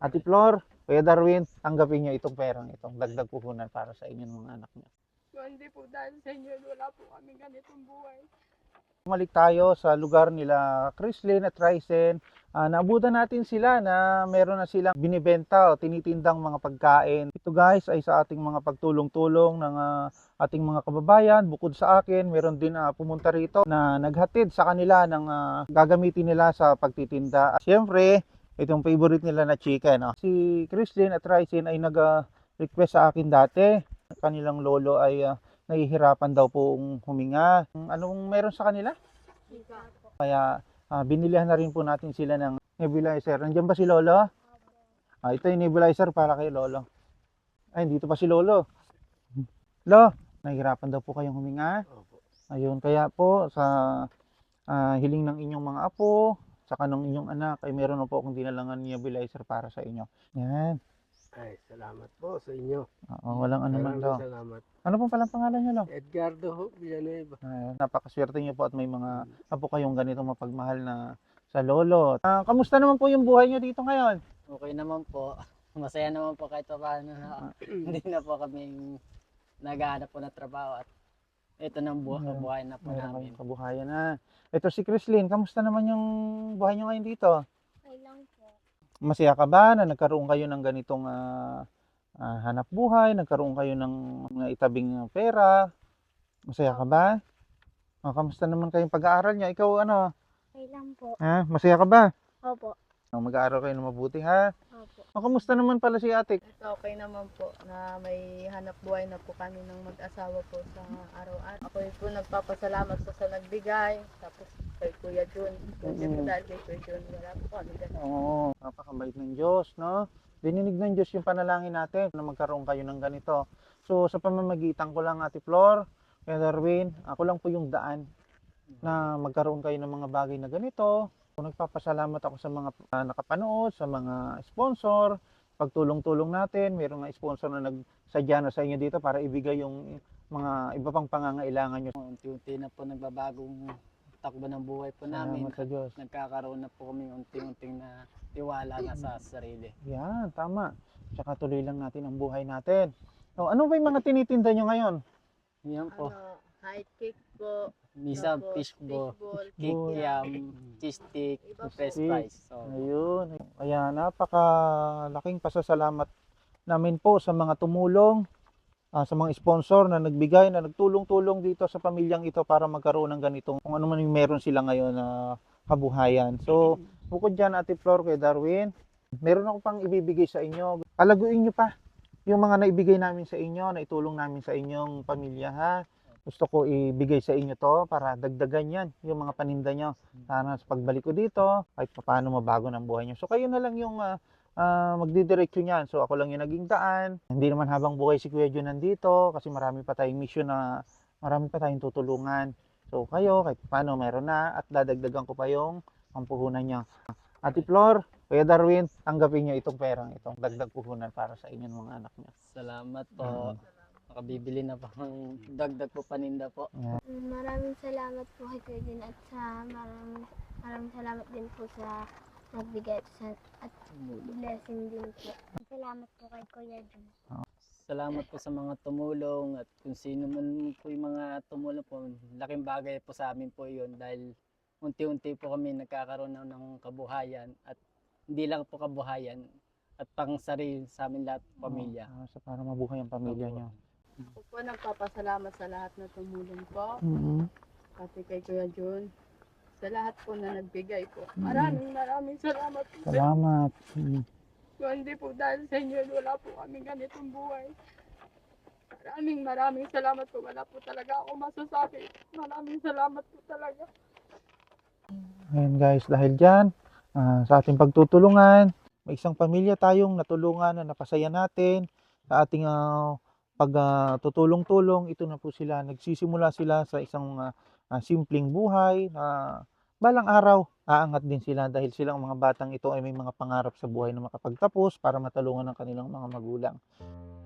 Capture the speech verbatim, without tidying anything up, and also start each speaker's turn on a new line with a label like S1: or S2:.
S1: Ate Flor, Kuya Darwin, tanggapin niyo itong perang itong dagdag puhunan para sa inyong mga anak niyo.
S2: Hindi po dahil sa inyo, wala po kami ganitong buhay.
S1: Bumalik tayo sa lugar nila Chrislyn at Ryzen. Uh, naabutan natin sila na meron na silang binibenta o tinitindang mga pagkain. Ito guys ay sa ating mga pagtulong-tulong ng uh, ating mga kababayan. Bukod sa akin, meron din uh, pumunta rito na naghatid sa kanila ng uh, gagamitin nila sa pagtitinda. At syempre, itong favorite nila na chicken. Uh. Si Chrislyn at Ryzen ay nag-request uh, sa akin dati. Kanilang lolo ay uh, nahihirapan daw pong huminga. Anong meron sa kanila? Kaya uh, binilihan na rin po natin sila ng nebulizer. Nandiyan ba si Lolo? Ah, ito yung nebulizer para kay Lolo. Ay, dito pa si Lolo. Lo, nahihirapan daw po kayong huminga. Ayun, kaya po sa uh, hiling ng inyong mga apo, saka ng inyong anak, ay meron na po akong dinalangan nebulizer para sa inyo. Yan.
S3: Ay, salamat po sa inyo.
S1: Oo, walang ano man daw.
S3: Salamat.
S1: Ano pong palang pangalan niyo, Lo?
S3: Edgardo Ho, Villanueva.
S1: Uh, napakaswerte niyo po at may mga apo kayong ganitong mapagmahal na sa lolo. Uh, kamusta naman po yung buhay niyo dito ngayon?
S4: Okay naman po. Masaya naman po kahit pa paano na hindi na po kami naghahanap po na trabaho at ito nang buhay, buhay na po
S1: Meron
S4: namin.
S1: kayong kabuhayan na. Ito si Chrislyn, kamusta naman yung buhay niyo ngayon dito?
S2: Okay lang po.
S1: Masaya ka ba na nagkaroon kayo ng ganitong uh, uh, hanap buhay, nagkaroon kayo ng mga itabing pera? Masaya ka ba? O, kamusta naman kayong pag-aaral niya? Ikaw ano?
S2: Okay lang po.
S1: Ha? Masaya ka ba?
S2: Opo.
S1: O, mag-aaral kayo ng mabuti ha?
S2: Opo.
S1: O, kamusta naman pala si ate?
S5: Ito okay naman po na may hanap buhay na po kami ng mag-asawa po sa araw-araw. Ako po nagpapasalamat po sa nagbigay. Tapos kay Kuya Jun. Kasi po
S1: Mm.
S5: dahil kay Kuya Jun, wala po kami ganun.
S1: Oo, napakabait ng Diyos, no? Dininig ng Diyos yung panalangin natin na magkaroon kayo ng ganito. So, sa pamamagitan ko lang, Ate Flor, Kuya Darwin, ako lang po yung daan na magkaroon kayo ng mga bagay na ganito. Nagpapasalamat ako sa mga uh, nakapanood, sa mga sponsor, pagtulong-tulong natin. Mayroong nga sponsor na nagsadya na sa inyo dito para ibigay yung mga iba pang pangangailangan nyo.
S4: Unti-unti na po nagbabagong takbo ng buhay po namin.
S1: Salamat sa Diyos.
S4: Nagkakaroon na po kami unti-unting na tiwala na sa sarili.
S1: Yan, tama. Tsaka tuloy lang natin ang buhay natin. So, ano ba yung mga tinitinda nyo ngayon?
S4: Yan po.
S5: Ano, high cake po.
S4: Misa,
S5: tapos
S4: fishball,
S5: fishball,
S4: cake
S1: Boy.
S4: yam, cheese stick,
S5: Iba po.
S4: fresh fries. So,
S1: Ayun. Kaya napakalaking pasasalamat namin po sa mga tumulong, ah, sa mga sponsor na nagbigay, na nagtulong-tulong dito sa pamilyang ito para magkaroon ng ganitong kung ano man yung meron sila ngayon na kabuhayan. So, bukod dyan, Ate Flor, kay Darwin, meron ako pang ibibigay sa inyo. Palaguin nyo pa yung mga naibigay namin sa inyo, na itulong namin sa inyong pamilya, ha? Gusto ko ibigay sa inyo to para dagdagan yan, yung mga paninda nyo. Sana sa pagbalik ko dito, kahit paano mabago ng buhay nyo. So kayo na lang yung uh, uh, magdidiretso nyan. So ako lang yung naging daan. Hindi naman habang buhay si Kuya Jun nandito, kasi marami pa tayong mission na marami pa tayong tutulungan. So kayo, kahit paano meron na, at dadagdagan ko pa yung pampuhunan nyo. Ate Flor, Kuya Darwin, tanggapin nyo itong perang itong dagdag puhunan para sa inyong mga anak nyo.
S4: salamat po. Makabibili na po ng dagdag po paninda po.
S2: Maraming salamat po kay Kuya Jun at sa maraming, maraming salamat din po sa nagbigay at, sa, at blessing din po. Salamat po kay Kuya Jun.
S4: Salamat po sa mga tumulong at kung sino man po yung mga tumulong po, laking bagay po sa amin po yun dahil unti-unti po kami nagkakaroon na ng kabuhayan at hindi lang po kabuhayan at pang sarili sa amin lahat pamilya.
S1: Uh, so para mabuhay ang pamilya nyo.
S5: Ako po nagpapasalamat sa lahat na tumulong po.
S1: Mm-hmm.
S5: Pati kay Kuya Jun. Sa lahat po na nagbigay po. Maraming maraming salamat po.
S1: Salamat. Mm.
S5: Kung hindi po dahil sa inyo, wala po kami ganitong buhay. Maraming maraming salamat po. Wala po talaga ako masasabi. Maraming salamat po talaga.
S1: Ayan guys, dahil dyan, uh, sa ating pagtutulungan, may isang pamilya tayong natulungan na napasaya natin sa ating uh, pagtutulong-tulong. Uh, ito na po sila, nagsisimula sila sa isang uh, uh, simpleng buhay na uh, balang araw aangat din sila dahil silang mga batang ito ay may mga pangarap sa buhay na makapagtapos para matulungan ng kanilang mga magulang.